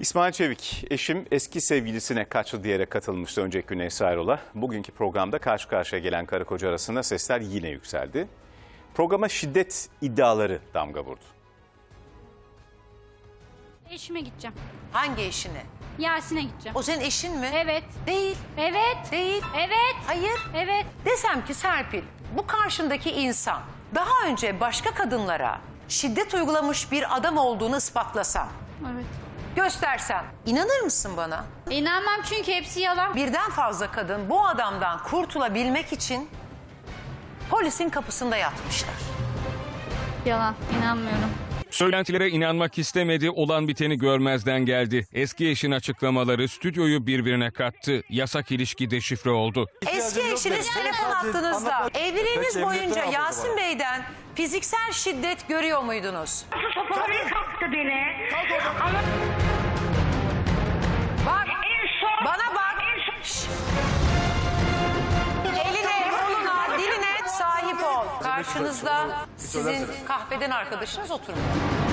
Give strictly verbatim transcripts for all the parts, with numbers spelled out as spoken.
İsmail Çevik, eşim eski sevgilisine kaçtı diyerek katılmıştı önceki gün Esra Erol'a. Bugünkü programda karşı karşıya gelen karı koca arasında sesler yine yükseldi. Programa şiddet iddiaları damga vurdu. Eşime gideceğim. Hangi eşine? Yasin'e gideceğim. O senin eşin mi? Evet. Değil. Evet. Değil. Evet. Hayır. Evet. Desem ki Serpil, bu karşındaki insan daha önce başka kadınlara şiddet uygulamış bir adam olduğunu ispatlasam, Evet. göstersem inanır mısın bana? İnanmam çünkü hepsi yalan. Birden fazla kadın bu adamdan kurtulabilmek için polisin kapısında yatmışlar. Yalan. İnanmıyorum. Söylentilere inanmak istemedi, olan biteni görmezden geldi. Eski eşin açıklamaları stüdyoyu birbirine kattı. Yasak ilişki deşifre oldu. Eski eşiniz telefon hattınızda evliliğiniz boyunca Yasin Bey'den fiziksel şiddet görüyor muydunuz? Sopaları kalktı beni. Ama Bak, en son... bana bak. En son... Şşş. Eline, koluna, diline sahip ol. Karşınızda sizin kahveden arkadaşınız oturmuyor.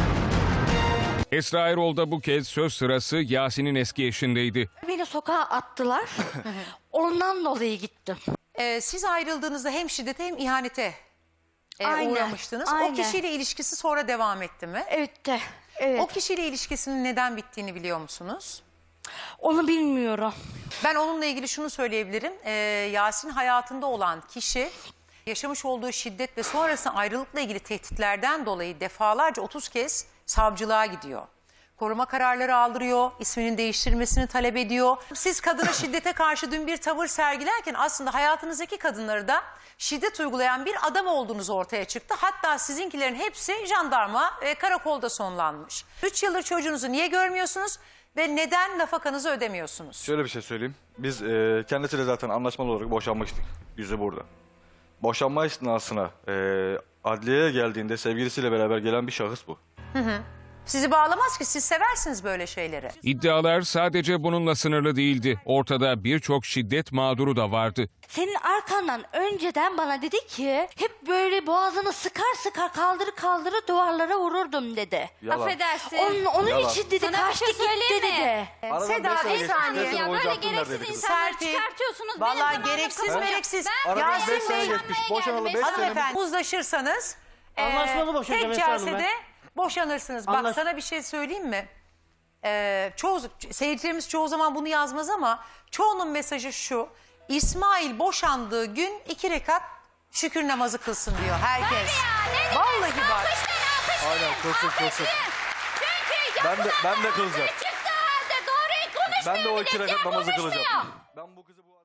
Esra Erol da bu kez söz sırası Yasin'in eski eşindeydi. Beni sokağa attılar. Ondan dolayı gittim. Ee, siz ayrıldığınızda hem şiddete hem ihanete e, Aynen, uğramıştınız. aynen. O kişiyle ilişkisi sonra devam etti mi? Evet de. Evet. O kişiyle ilişkisinin neden bittiğini biliyor musunuz? Onu bilmiyorum. Ben onunla ilgili şunu söyleyebilirim. Ee, Yasin hayatında olan kişi yaşamış olduğu şiddet ve sonrasında ayrılıkla ilgili tehditlerden dolayı defalarca otuz kez savcılığa gidiyor. Koruma kararları aldırıyor, isminin değiştirilmesini talep ediyor. Siz kadına şiddete karşı dün bir tavır sergilerken aslında hayatınızdaki kadınları da şiddet uygulayan bir adam olduğunuz ortaya çıktı. Hatta sizinkilerin hepsi jandarma ve karakolda sonlanmış. Üç yıldır çocuğunuzu niye görmüyorsunuz ve neden nafakanızı ödemiyorsunuz? Şöyle bir şey söyleyeyim. Biz e, kendisiyle zaten anlaşmalı olarak boşanmıştık. Yüzü burada. Boşanma esnasına e, adliyeye geldiğinde sevgilisiyle beraber gelen bir şahıs bu. Sizi bağlamaz ki, siz seversiniz böyle şeyleri. İddialar sadece bununla sınırlı değildi. Ortada birçok şiddet mağduru da vardı. Senin arkandan önceden bana dedi ki hep böyle boğazını sıkar sıkar kaldırı kaldırı duvarlara vururdum dedi. Yalan. Affedersin. Onun, onun Yalan. için dedi Sana bir kaçtı şey gitti söyleyeyim mi? dedi. Aradan Seda, beş sene bir geçti. saniye. Beş sene Ya boyunca böyle aklım gereksiz neredeydi kızım? insanları Serpil, çıkartıyorsunuz. vallahi Benim zamanımda gereksiz kafam- mereksiz. Ben Aradan Yasin beş sene Bey- geçmiş. Boşanalı beş sene. Hanımefendi uzlaşırsanız e, Anlaşmalı boşanacağım tek Esra Hanım celsede boşanırsınız. Bak Anlaş- sana bir şey söyleyeyim mi? Ee, çoğu seyircilerimiz çoğu zaman bunu yazmaz ama çoğunun mesajı şu: İsmail boşandığı gün iki rekat şükür namazı kılsın diyor herkes. Vallahi bak. Aynen, kılsın kılsın. Çünkü Ben de, ben de kılacağım. çıktı halde doğruyu konuşmuyor. Ben de o iki millet ya, rekat namazı konuşmuyor. kılacağım. Ben bu kızı bu